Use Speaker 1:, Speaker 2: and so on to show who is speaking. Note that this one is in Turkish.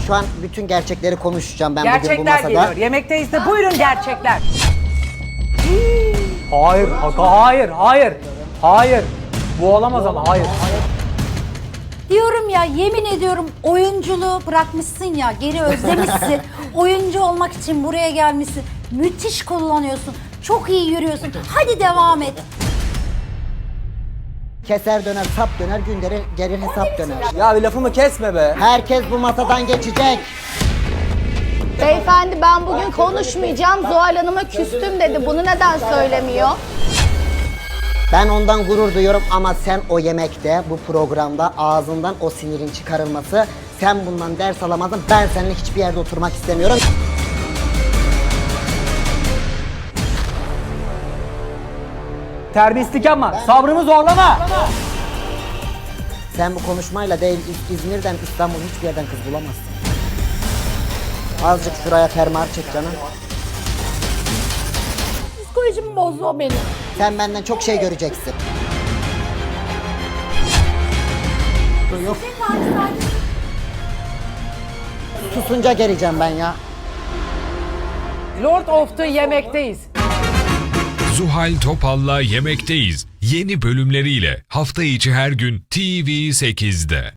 Speaker 1: şu an bütün gerçekleri konuşacağım ben bugün bu
Speaker 2: Gerçekler
Speaker 1: masada.
Speaker 2: geliyor. Yemekteyiz de buyurun gerçekler.
Speaker 3: Hayır, hayır, hayır. Hayır. Bu olamaz ama hayır.
Speaker 4: Diyorum ya, yemin ediyorum oyunculuğu bırakmışsın ya, geri özlemişsin. Oyuncu olmak için buraya gelmişsin. Müthiş kullanıyorsun. Çok iyi yürüyorsun. Hadi devam et.
Speaker 1: Keser döner, sap döner, gün gelir hesap döner.
Speaker 3: Ya bir lafımı kesme be.
Speaker 1: Herkes bu masadan geçecek.
Speaker 5: Beyefendi ben bugün konuşmayacağım. Zuhal Hanım'a küstüm dedi. Bunu neden söylemiyor?
Speaker 1: Ben ondan gurur duyuyorum ama sen o yemekte, bu programda ağzından o sinirin çıkarılması, sen bundan ders alamadın, ben seninle hiçbir yerde oturmak istemiyorum.
Speaker 3: Terbiyesizlik yapma. Sabrımı zorlama.
Speaker 1: Sen bu konuşmayla değil, İzmir'den, İstanbul hiçbir yerden kız bulamazsın. Azıcık şuraya fermuar çek canım.
Speaker 4: Psikolojimi bozdu o benim.
Speaker 1: Sen benden çok şey göreceksin. Yok. Susunca geleceğim ben ya.
Speaker 2: Lord of the Yemekteyiz.
Speaker 6: Zuhal Topal'la Yemekteyiz yeni bölümleriyle hafta içi her gün TV8'de.